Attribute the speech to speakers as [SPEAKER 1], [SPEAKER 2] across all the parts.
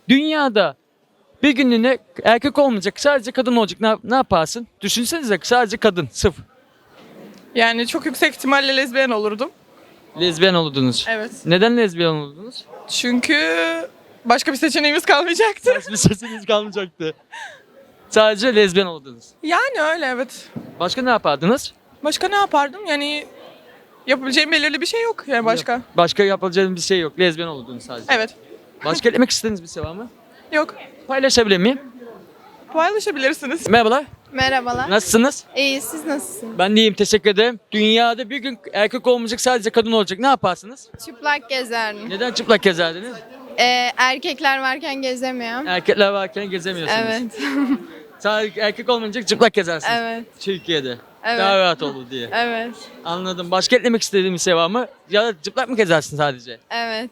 [SPEAKER 1] Dünyada bir günlüğüne erkek olmayacak, sadece kadın olacak. Ne yaparsın? Düşünsenize, sadece kadın, sırf.
[SPEAKER 2] Yani çok yüksek ihtimalle lezbiyen olurdum.
[SPEAKER 1] Lezbiyen oldunuz.
[SPEAKER 2] Evet.
[SPEAKER 1] Neden lezbiyen oldunuz?
[SPEAKER 2] Çünkü başka bir seçeneğimiz kalmayacaktı.
[SPEAKER 1] Bir sesiniz kalmayacaktı. Sadece lezbiyen oldunuz.
[SPEAKER 2] Yani öyle evet.
[SPEAKER 1] Başka ne yapardınız?
[SPEAKER 2] Başka ne yapardım? Yani yapabileceğim belirli bir şey yok yani başka.
[SPEAKER 1] Başka yapacağınız bir şey yok. Lezbiyen oldunuz sadece.
[SPEAKER 2] Evet.
[SPEAKER 1] Başka eklemek istediğiniz bir şey var mı?
[SPEAKER 2] Yok.
[SPEAKER 1] Paylaşabilir miyim?
[SPEAKER 2] Paylaşabilirsiniz.
[SPEAKER 1] Merhabalar.
[SPEAKER 3] Merhabalar.
[SPEAKER 1] Nasılsınız?
[SPEAKER 3] İyi, siz nasılsınız?
[SPEAKER 1] Ben de iyiyim, teşekkür ederim. Dünyada bir gün erkek olmayacak, sadece kadın olacak. Ne yaparsınız?
[SPEAKER 3] Çıplak gezerdim.
[SPEAKER 1] Neden çıplak gezerdiniz?
[SPEAKER 3] Erkekler varken gezemiyorum.
[SPEAKER 1] Erkekler varken gezemiyorsunuz.
[SPEAKER 3] Evet.
[SPEAKER 1] Sadece erkek olmayacak, çıplak gezersiniz.
[SPEAKER 3] Evet.
[SPEAKER 1] Türkiye'de.
[SPEAKER 3] Evet.
[SPEAKER 1] Daha rahat olur diye.
[SPEAKER 3] Evet.
[SPEAKER 1] Anladım. Başka eklemek istediğim bir şey var mı? Ya da çıplak mı gezersin sadece?
[SPEAKER 3] Evet.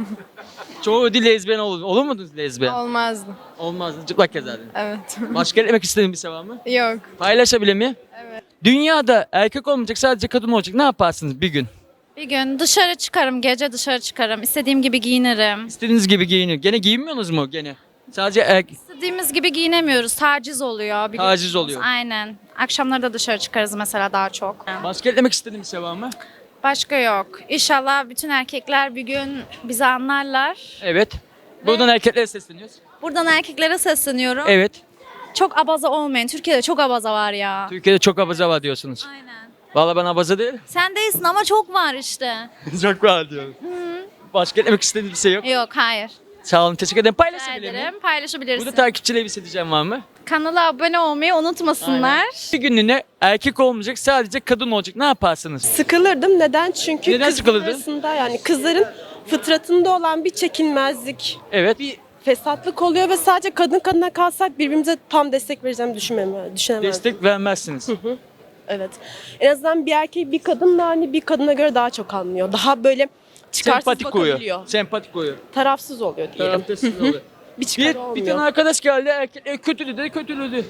[SPEAKER 1] Çoğu değil lezbiyen olur. Olur muydunuz lezbiyen?
[SPEAKER 3] Olmazdı.
[SPEAKER 1] Olmazdı. Çıplak gezerdin.
[SPEAKER 3] Evet.
[SPEAKER 1] Başka eklemek istediğim bir şey var mı?
[SPEAKER 3] Yok.
[SPEAKER 1] Paylaşabilir miyim?
[SPEAKER 3] Evet.
[SPEAKER 1] Dünyada erkek olmayacak, sadece kadın olacak. Ne yaparsınız bir gün?
[SPEAKER 4] Bir gün dışarı çıkarım, gece dışarı çıkarım. İstediğim gibi giyinirim.
[SPEAKER 1] İstediğiniz gibi giyinin. Gene giyinmiyorsunuz mu gene? Sadece
[SPEAKER 4] İstediğimiz gibi giyinemiyoruz. Taciz oluyor. biliyorsunuz.
[SPEAKER 1] Taciz oluyor.
[SPEAKER 4] Aynen. Akşamları da dışarı çıkarız mesela daha çok.
[SPEAKER 1] Başka eklemek istediğim bir şey var mı?
[SPEAKER 4] Başka yok. İnşallah bütün erkekler bir gün bizi anlarlar.
[SPEAKER 1] Evet. Buradan erkeklere sesleniyoruz.
[SPEAKER 4] Buradan erkeklere sesleniyorum.
[SPEAKER 1] Evet.
[SPEAKER 4] Çok abaza olmayın. Türkiye'de çok abaza var ya.
[SPEAKER 1] Türkiye'de çok abaza var diyorsunuz.
[SPEAKER 4] Aynen.
[SPEAKER 1] Vallahi ben abaza değilim.
[SPEAKER 4] Sen değilsin ama çok var işte.
[SPEAKER 1] Çok var diyorum. Başka eklemek istediğim bir şey yok.
[SPEAKER 4] Yok, hayır.
[SPEAKER 1] Sağ olun, teşekkür ederim.
[SPEAKER 4] Rica
[SPEAKER 1] Paylaşabilir miyim?
[SPEAKER 4] ederim. Paylaşabilirsin.
[SPEAKER 1] Burada takipçilere bir şey diyeceğim var mı?
[SPEAKER 4] Kanala abone olmayı unutmasınlar.
[SPEAKER 1] Bir günlüğüne erkek olmayacak, sadece kadın olacak. Ne yaparsınız?
[SPEAKER 5] Sıkılırdım. Neden? Çünkü
[SPEAKER 1] Neden
[SPEAKER 5] kızlar
[SPEAKER 1] sıkılırdın?
[SPEAKER 5] arasında yani kızların fıtratında olan bir çekinmezlik,
[SPEAKER 1] Evet.
[SPEAKER 5] bir fesatlık oluyor ve sadece kadın kadına kalsak birbirimize tam destek vereceğimi düşünemezdim.
[SPEAKER 1] Destek vermezsiniz.
[SPEAKER 5] Evet. En azından bir erkek bir kadınla hani bir kadına göre daha çok anlıyor. Daha böyle çıkarsız
[SPEAKER 1] Sempatik koyuyor.
[SPEAKER 5] bakabiliyor.
[SPEAKER 1] Sempatik koyuyor.
[SPEAKER 5] Tarafsız oluyor diyelim.
[SPEAKER 1] Tarafsız oluyor.
[SPEAKER 5] Bir çıkarı
[SPEAKER 1] Bir
[SPEAKER 5] olmuyor.
[SPEAKER 1] tane arkadaş geldi, erkek kötüledi, kötüledi.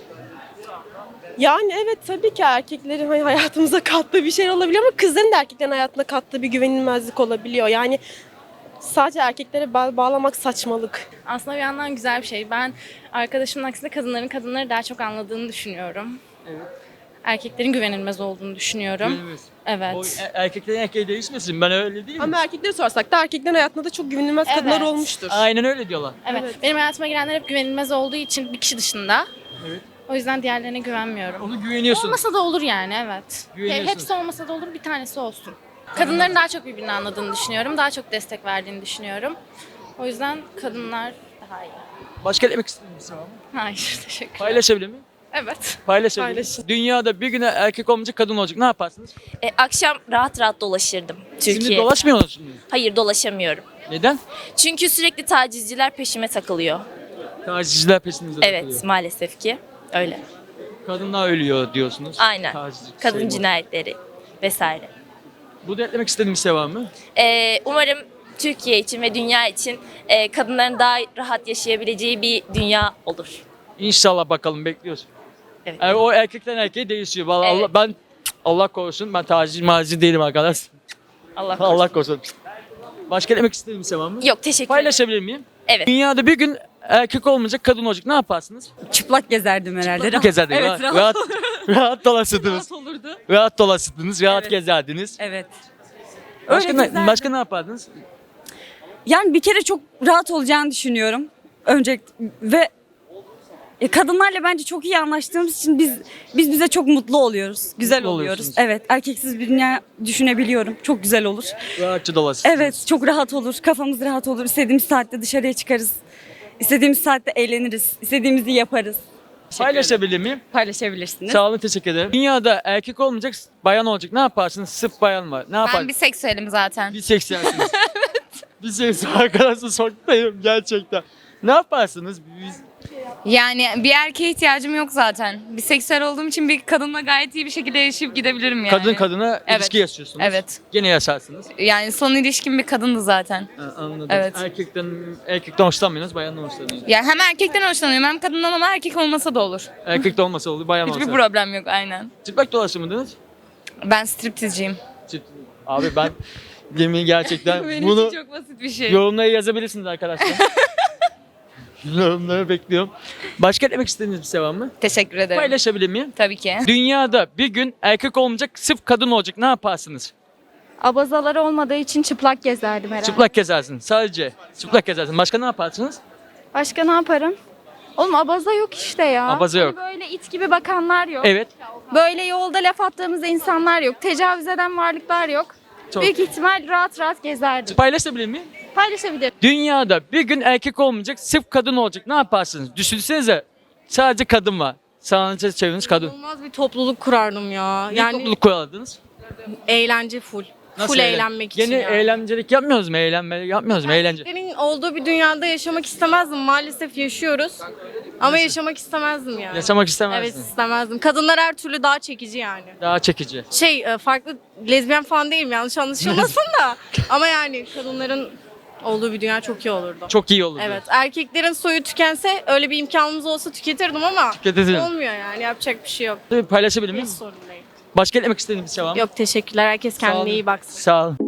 [SPEAKER 5] Yani evet tabii ki erkeklerin hani hayatımıza kattığı bir şey olabiliyor ama kızların da erkeklerin hayatına kattığı bir güvenilmezlik olabiliyor. Yani sadece erkeklere bağlamak saçmalık.
[SPEAKER 6] Aslında bir yandan güzel bir şey. Ben arkadaşımın aksine kadınları daha çok anladığını düşünüyorum.
[SPEAKER 1] Evet.
[SPEAKER 6] Erkeklerin güvenilmez olduğunu düşünüyorum.
[SPEAKER 1] Güvenilmez.
[SPEAKER 6] Evet.
[SPEAKER 1] O erkeklerin erkeği değişmesin. Ben öyle değilim.
[SPEAKER 5] Ama erkekleri sorsak da erkeklerin hayatında da çok güvenilmez kadınlar
[SPEAKER 6] Evet.
[SPEAKER 5] olmuştur.
[SPEAKER 1] Aynen öyle diyorlar.
[SPEAKER 6] Evet.
[SPEAKER 5] Evet.
[SPEAKER 6] Benim hayatıma girenler hep güvenilmez olduğu için bir kişi dışında.
[SPEAKER 1] Evet.
[SPEAKER 6] O yüzden diğerlerine güvenmiyorum.
[SPEAKER 1] Onu güveniyorsun.
[SPEAKER 6] Olmasa da olur yani, evet.
[SPEAKER 1] Güveniyorsun.
[SPEAKER 6] Hepsi olmasa da olur, bir tanesi olsun. Kadınların daha çok birbirini anladığını düşünüyorum. Daha çok destek verdiğini düşünüyorum. O yüzden kadınlar daha iyi.
[SPEAKER 1] Başka eklemek istediğin bir şey var mı?
[SPEAKER 6] Hayır, teşekkür ederim.
[SPEAKER 1] Paylaşabilir miyim?
[SPEAKER 6] Evet.
[SPEAKER 1] Paylaşabilir miyim?
[SPEAKER 5] Paylaşın.
[SPEAKER 1] Dünyada bir güne erkek olmayacak, kadın olacak. Ne yaparsınız?
[SPEAKER 7] Akşam rahat rahat dolaşırdım
[SPEAKER 1] Şimdi
[SPEAKER 7] Türkiye'de.
[SPEAKER 1] dolaşmıyor musunuz?
[SPEAKER 7] Hayır, dolaşamıyorum.
[SPEAKER 1] Neden?
[SPEAKER 7] Çünkü sürekli tacizciler peşime takılıyor.
[SPEAKER 1] Tacizciler peşinizde takılıyor.
[SPEAKER 7] Evet, maalesef ki öyle.
[SPEAKER 1] Kadınlar ölüyor diyorsunuz.
[SPEAKER 7] Aynen.
[SPEAKER 1] Tacizci
[SPEAKER 7] Kadın
[SPEAKER 1] şey bu.
[SPEAKER 7] cinayetleri vesaire.
[SPEAKER 1] Burada eklemek istediğin bir şey var mı?
[SPEAKER 7] Umarım Türkiye için ve dünya için kadınların daha rahat yaşayabileceği bir dünya olur.
[SPEAKER 1] İnşallah, bakalım, bekliyoruz.
[SPEAKER 7] Evet.
[SPEAKER 1] Yani o erkekten erkeğe değişiyor. Vallahi
[SPEAKER 7] Evet.
[SPEAKER 1] Allah korusun, ben taciz değilim arkadaş.
[SPEAKER 7] Allah korusun.
[SPEAKER 1] Allah korusun. Başka eklemek istediğin bir şey var mı?
[SPEAKER 7] Yok, teşekkür ederim.
[SPEAKER 1] Paylaşabilir miyim?
[SPEAKER 7] Evet.
[SPEAKER 1] Dünyada bir gün erkek olmayacak, kadın olacak. Ne yaparsınız?
[SPEAKER 8] Çıplak gezerdim herhalde.
[SPEAKER 1] Çıplak gezerdiniz.
[SPEAKER 8] Evet,
[SPEAKER 1] Rahat dolaşırdınız.
[SPEAKER 8] olurdu.
[SPEAKER 1] Rahat dolaşırdınız, rahat
[SPEAKER 8] Evet.
[SPEAKER 1] gezerdiniz.
[SPEAKER 8] Evet.
[SPEAKER 1] Başka,
[SPEAKER 8] Öyle gezerdim.
[SPEAKER 1] başka ne yapardınız?
[SPEAKER 8] Yani bir kere çok rahat olacağını düşünüyorum. Önce ve kadınlarla bence çok iyi anlaştığımız için biz bize çok mutlu oluyoruz. Güzel
[SPEAKER 1] Mutlu
[SPEAKER 8] oluyoruz.
[SPEAKER 1] oluyorsunuz.
[SPEAKER 8] Evet, erkeksiz bir dünya düşünebiliyorum. Çok güzel olur.
[SPEAKER 1] Rahatça dolaşırsınız.
[SPEAKER 8] Evet, çok rahat olur. Kafamız rahat olur. İstediğimiz saatte dışarıya çıkarız. İstediğimiz saatte eğleniriz. İstediğimizi yaparız.
[SPEAKER 1] Paylaşabilir miyim?
[SPEAKER 8] Paylaşabilirsiniz.
[SPEAKER 1] Sağ olun, teşekkür ederim. Dünyada erkek olmayacak, bayan olacak. Ne yaparsınız? Sırf bayan var. Ne yapar?
[SPEAKER 9] Ben biseksüelim zaten.
[SPEAKER 1] Biseksüelsiniz. Evet. Biseksüel arkadaşlar, soktayım gerçekten. Ne yaparsınız?
[SPEAKER 9] Yani bir erkeğe ihtiyacım yok zaten. Biseksüel olduğum için bir kadınla gayet iyi bir şekilde yaşayıp gidebilirim yani.
[SPEAKER 1] Kadın kadına
[SPEAKER 9] Evet.
[SPEAKER 1] ilişki yaşıyorsunuz.
[SPEAKER 9] Evet.
[SPEAKER 1] Gene yaşarsınız.
[SPEAKER 9] Yani son ilişkim bir kadındı zaten.
[SPEAKER 1] Ha, anladım.
[SPEAKER 9] Evet.
[SPEAKER 1] Erkekten hoşlanmıyorsunuz, bayandan hoşlanıyorsunuz.
[SPEAKER 9] Yani hem erkekten hoşlanıyorum hem kadından ama erkek olmasa da olur.
[SPEAKER 1] Erkekte olmasa olur, bayan
[SPEAKER 9] Hiçbir
[SPEAKER 1] olsa.
[SPEAKER 9] problem yok aynen.
[SPEAKER 1] Çıplak dolaşır mıydınız?
[SPEAKER 9] Ben striptizciyim.
[SPEAKER 1] Abi ben yemin gerçekten
[SPEAKER 9] Benim
[SPEAKER 1] bunu
[SPEAKER 9] için çok basit bir şey.
[SPEAKER 1] yorumlara yazabilirsiniz arkadaşlar. Yorumları bekliyorum. Başka demek istediğiniz bir şey var mı?
[SPEAKER 9] Teşekkür ederim.
[SPEAKER 1] Paylaşabilir miyim?
[SPEAKER 9] Tabii ki.
[SPEAKER 1] Dünyada bir gün erkek olmayacak, sırf kadın olacak. Ne yaparsınız?
[SPEAKER 4] Abazaları olmadığı için çıplak gezerdim herhalde.
[SPEAKER 1] Çıplak gezersin. Sadece çıplak gezersin. Başka ne yaparsınız?
[SPEAKER 4] Başka ne yaparım? Oğlum abaza yok işte ya.
[SPEAKER 1] Abaza yok.
[SPEAKER 4] Hani böyle it gibi bakanlar yok.
[SPEAKER 1] Evet.
[SPEAKER 4] Böyle yolda laf attığımız insanlar yok. Tecavüz eden varlıklar yok.
[SPEAKER 1] Çok.
[SPEAKER 4] Büyük ihtimal rahat rahat gezerdim.
[SPEAKER 1] Paylaşabilir miyim?
[SPEAKER 4] Paylaşabilirim.
[SPEAKER 1] Dünyada bir gün erkek olmayacak, sırf kadın olacak. Ne yaparsınız? Düşünsenize sadece kadın var. Sağınıza çevreniz kadın.
[SPEAKER 5] Olmaz bir topluluk kurardım ya.
[SPEAKER 1] Ne topluluk kurardınız?
[SPEAKER 5] Eğlence full.
[SPEAKER 1] Nasıl eğlenmek için eğlencelik yapmıyoruz mu? Eğlenme yapmıyoruz mu? Eğlence.
[SPEAKER 5] Erkeklerin olduğu bir dünyada yaşamak istemezdim. Maalesef yaşıyoruz. Ama yaşamak istemezdim yani.
[SPEAKER 1] Yaşamak istemezsin.
[SPEAKER 5] Evet istemezdim. Kadınlar her türlü daha çekici yani.
[SPEAKER 1] Daha çekici.
[SPEAKER 5] Farklı lezbiyen falan değilim yanlış anlaşılmasın da. Ama yani kadınların olduğu bir dünya çok iyi olurdu.
[SPEAKER 1] Çok iyi olurdu.
[SPEAKER 5] Evet erkeklerin soyu tükense öyle bir imkanımız olsa tüketirdim ama
[SPEAKER 1] Tüketirdin.
[SPEAKER 5] olmuyor yani yapacak bir şey yok.
[SPEAKER 1] Paylaşabilir miyim?
[SPEAKER 5] Hiç sorun değil.
[SPEAKER 1] Başka demek istediğiniz bir şey var mı?
[SPEAKER 5] Yok teşekkürler herkes
[SPEAKER 1] Sağ olun.
[SPEAKER 5] kendine iyi baksın.
[SPEAKER 1] Sağ olun.